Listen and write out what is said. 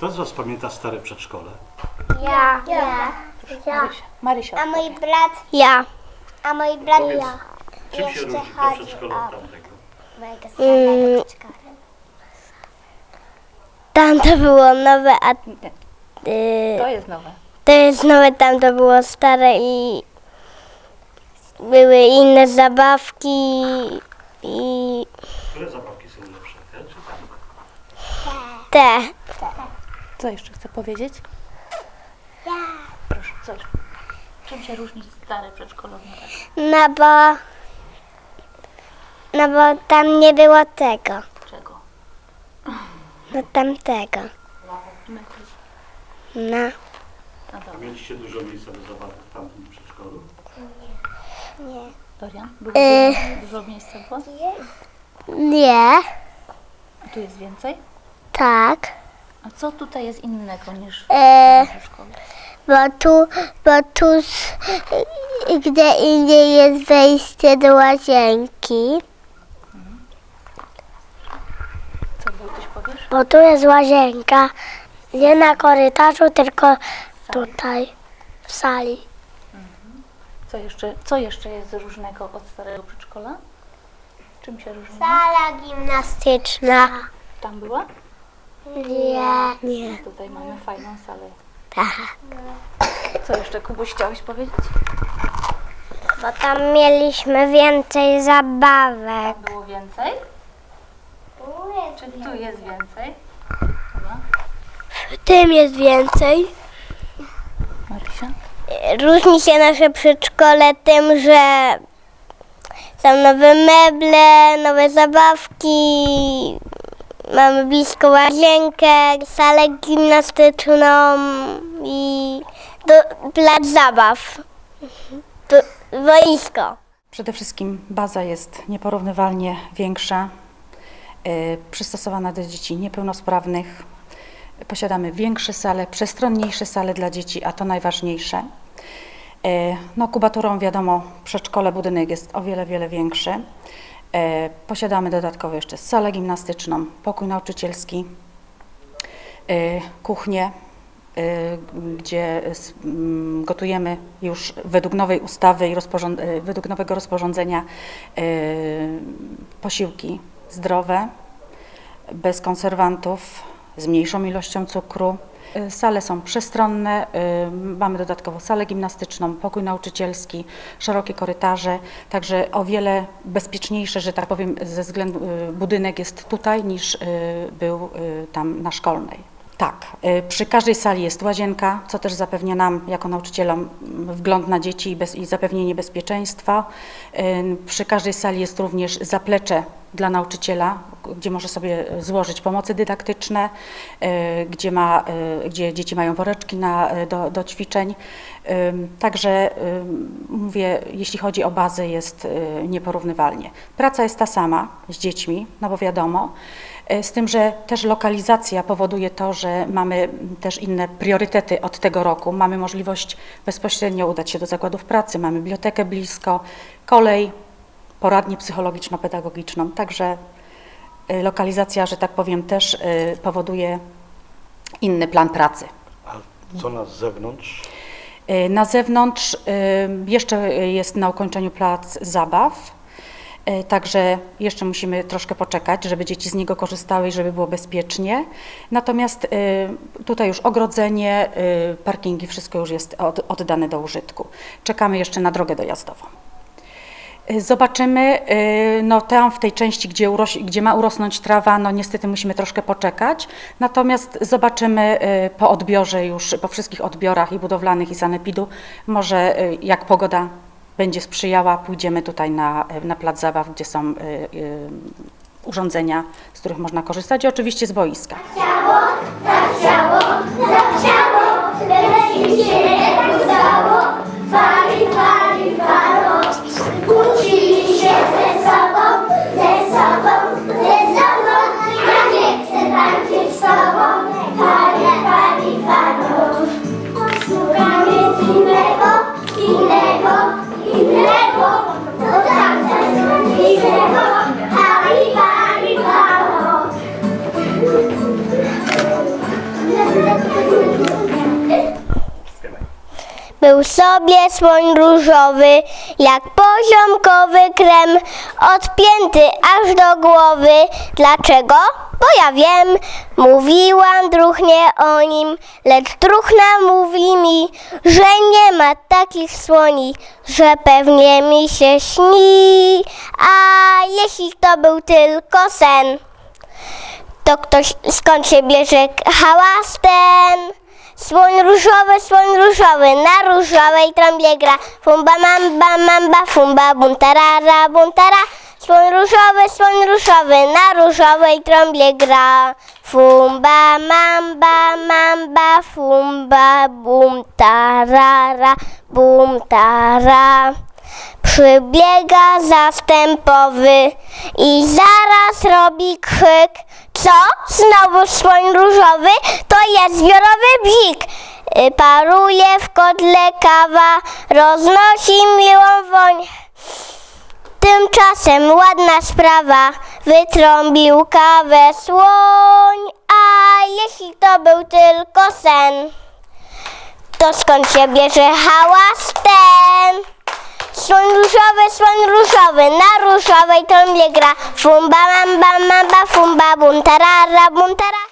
Kto z Was pamięta stare przedszkole? Ja. Marysia. A mój brat? Ja. A mój brat? Powiedz, Ja. czym się Jeszcze różni to chodzi przedszkole o- od tamtego? Mojego starego przedszkola. Tam to było nowe, a To jest nowe. to jest nowe, tam to było stare i były inne zabawki i Które zabawki są lepsze? Te czy tamte? te. Co jeszcze chcę powiedzieć? Ja. Proszę, co jeszcze? Czym się różni stare przedszkole od nowego? No bo tam nie było tego, Czego? no tamtego. No. No dobra. Mieliście dużo miejsca do zabawy w tamtym przedszkolu? Dorian? Było dużo miejsca było? Nie, A tu jest więcej? tak. A co tutaj jest innego niż w przedszkolu? Bo tu gdzie indziej jest wejście do łazienki. Co Wojtuś powiesz? Bo tu jest łazienka, nie na korytarzu, tylko tutaj, w sali. Co jeszcze jest różnego od starego przedszkola? Czym się różni? Sala gimnastyczna. Tam była? Nie. Tutaj mamy fajną salę. Tak. Co jeszcze, Kubuś, chciałeś powiedzieć? Bo tam mieliśmy więcej zabawek. Tam było więcej? Czy tu jest więcej? Dobra. W tym jest więcej. Marysia? Różni się nasze przedszkole tym, że są nowe meble, nowe zabawki, mamy blisko łazienkę, salę gimnastyczną i plac zabaw, boisko. Przede wszystkim baza jest nieporównywalnie większa, przystosowana do dzieci niepełnosprawnych. Posiadamy większe sale, przestronniejsze sale dla dzieci, a to najważniejsze. No, kubaturą wiadomo, przedszkole, budynek jest o wiele większy. Posiadamy dodatkowo jeszcze salę gimnastyczną, pokój nauczycielski, kuchnię, gdzie gotujemy już według nowej ustawy i według nowego rozporządzenia posiłki zdrowe, bez konserwantów, z mniejszą ilością cukru. Sale są przestronne, mamy dodatkowo salę gimnastyczną, pokój nauczycielski, szerokie korytarze, także o wiele bezpieczniejsze, że tak powiem, ze względu budynek jest tutaj niż był tam na Szkolnej. Tak, przy każdej sali jest łazienka, co też zapewnia nam jako nauczycielom wgląd na dzieci i zapewnienie bezpieczeństwa. Przy każdej sali jest również zaplecze dla nauczyciela, gdzie może sobie złożyć pomocy dydaktyczne, gdzie dzieci mają woreczki do ćwiczeń. Także mówię, jeśli chodzi o bazę, jest nieporównywalnie. Praca jest ta sama z dziećmi, no bo wiadomo, z tym, że też lokalizacja powoduje to, że mamy też inne priorytety od tego roku. Mamy możliwość bezpośrednio udać się do zakładów pracy, mamy bibliotekę blisko, kolej, poradnię psychologiczno-pedagogiczną. Także lokalizacja, że tak powiem, też powoduje inny plan pracy. A co na zewnątrz? Na zewnątrz jeszcze jest na ukończeniu plac zabaw. Także jeszcze musimy troszkę poczekać, żeby dzieci z niego korzystały i żeby było bezpiecznie. Natomiast tutaj już ogrodzenie, parkingi, wszystko już jest oddane do użytku. Czekamy jeszcze na drogę dojazdową. Zobaczymy, no tam w tej części, gdzie ma urosnąć trawa, no niestety musimy troszkę poczekać. Natomiast zobaczymy po odbiorze już, po wszystkich odbiorach i budowlanych i sanepidu, może jak pogoda będzie sprzyjała, pójdziemy tutaj na plac zabaw, gdzie są urządzenia, z których można korzystać i oczywiście z boiska. Zachciało, lecz mi się nie udało. Fali, falo, kłócili się ze sobą. Ja nie chcę tańczyć z tobą. Fali, falo. Szukamy innego, to tamten innego. Fali, falo. Był sobie słoń różowy, jak poziomkowy krem, odpięty aż do głowy. Dlaczego? Bo ja wiem, mówiłam druchnie o nim, lecz druchna mówi mi, że nie ma takich słoni, że pewnie mi się śni. A jeśli to był tylko sen, to ktoś skąd się bierze hałas ten? Słoń różowy, na różowej trąbie gra. Fumba mamba, fumba buntarara, buntara. Słoń różowy, na różowej trąbie gra. Fumba mamba, fumba buntarara, buntara. Przybiega zastępowy i zaraz robi krzyk. Co? Znowu słoń różowy? To jest zbiorowy bzik. Paruje w kotle kawa, roznosi miłą woń. Tymczasem ładna sprawa, wytrąbił kawę słoń. A jeśli to był tylko sen, to skąd się bierze hałas ten? Słoń różowy, na różowej trąbie gra. Fumba mamba, fumba buntarara, buntara.